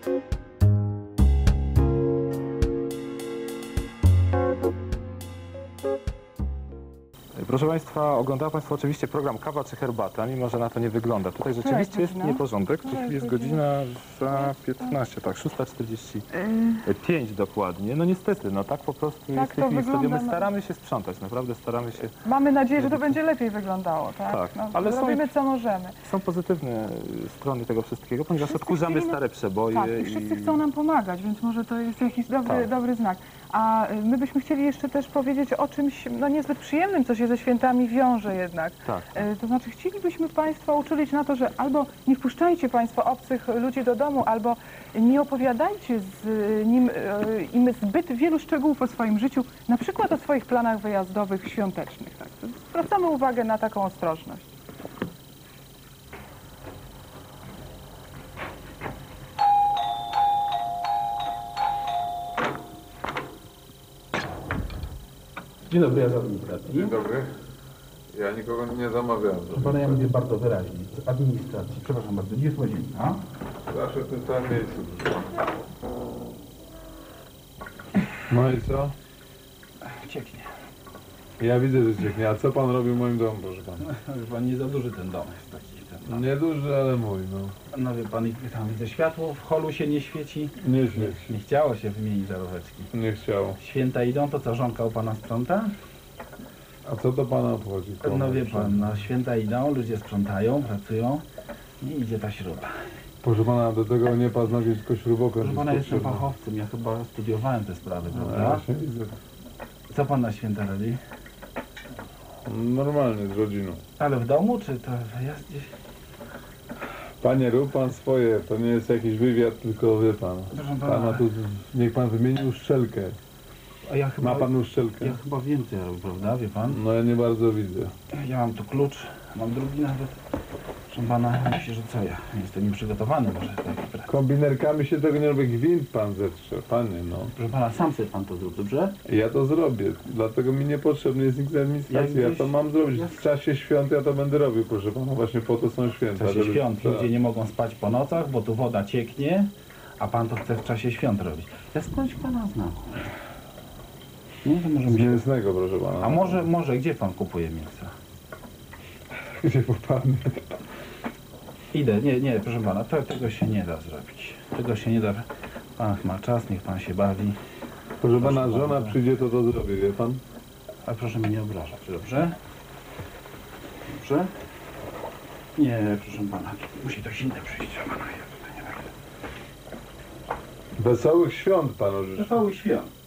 Proszę Państwa, oglądają Państwo oczywiście program Kawa czy Herbata, mimo że na to nie wygląda. Tutaj rzeczywiście jest nieporządek. Tu jest godzina za 15, tak, 6:45 dokładnie. No niestety, no tak po prostu jest w tej chwili studio. My staramy się sprzątać, naprawdę staramy się. Mamy nadzieję, że to będzie lepiej wyglądało, tak? Tak, no, ale robimy co możemy. Są pozytywne strony tego wszystkiego, ponieważ odkurzamy stare przeboje. Tak, i wszyscy chcą nam pomagać, więc może to jest jakiś dobry znak. A my byśmy chcieli jeszcze też powiedzieć o czymś no niezbyt przyjemnym, co się ze świętami wiąże jednak. Tak. To znaczy chcielibyśmy Państwa uczulić na to, że albo nie wpuszczajcie Państwo obcych ludzi do domu, albo nie opowiadajcie im zbyt wielu szczegółów o swoim życiu, na przykład o swoich planach wyjazdowych, świątecznych. Tak. Zwracamy uwagę na taką ostrożność. Dzień dobry, ja z administracji. Dzień dobry. Ja nikogo nie zamawiałem. Proszę pana, ja mówię bardzo wyraźnie. Z administracji. Przepraszam bardzo, gdzie jest łazienka? Zawsze w tym samym miejscu. No i co? Cieknie. Ja widzę, że cieknie. A co pan robi w moim domu, proszę pana? Wie pan, nie za duży ten dom jest taki. Nieduży, ale mój, no. No wie pan, tam widzę światło, w holu się nie świeci. Nie świeci. Nie chciało się wymienić żaróweczki. Nie chciało. Święta idą, to co, żonka u pana sprząta? A co to pana obchodzi? No wie pan, no święta idą, ludzie sprzątają, pracują i idzie ta śruba. Proszę pana, do tego nie paznogieć, tylko śrubokręt. Proszę pana, jestem fachowcem, ja chyba studiowałem te sprawy, No, prawda? ja się widzę. Co pan na święta robi? Normalnie, z rodziną. Ale w domu, czy to wyjazd gdzieś? Panie, rób pan swoje. To nie jest jakiś wywiad, tylko wie pan. Proszę pana. Pana tu, niech pan wymieni uszczelkę. A ja chyba, Ma pan uszczelkę? ja chyba więcej robię, prawda, wie pan? No ja nie bardzo widzę. Ja mam tu klucz, mam drugi nawet. Proszę pana, myślę, że co ja? Jestem nieprzygotowany może do takiej pracy. Kombinerkami się tego nie robi, gwint pan zetrze, panie, no. Proszę pana, sam sobie pan to zrób, dobrze? Ja to zrobię, dlatego mi niepotrzebny jest nikt z administracji, ja to mam zrobić. W czasie świąt ja to będę robił, proszę pana, właśnie po to są święta. W czasie świąt tak. ludzie nie mogą spać po nocach, bo tu woda cieknie, a pan to chce w czasie świąt robić. Ja skądś pana znam. No to może Z mięsnego, proszę pana. A może gdzie pan kupuje mięso? Gdzie popadnie? Idę, nie, proszę pana, tego się nie da zrobić. Tego się nie da. Pan ma czas, niech pan się bawi. Proszę pana, żona przyjdzie, to zrobi, wie pan? Ale proszę mnie nie obrażać, dobrze? Dobrze? Nie, proszę pana, musi ktoś inny przyjść, a pana ja tutaj nie będę. Wesołych świąt panu życzę. Wesołych świąt.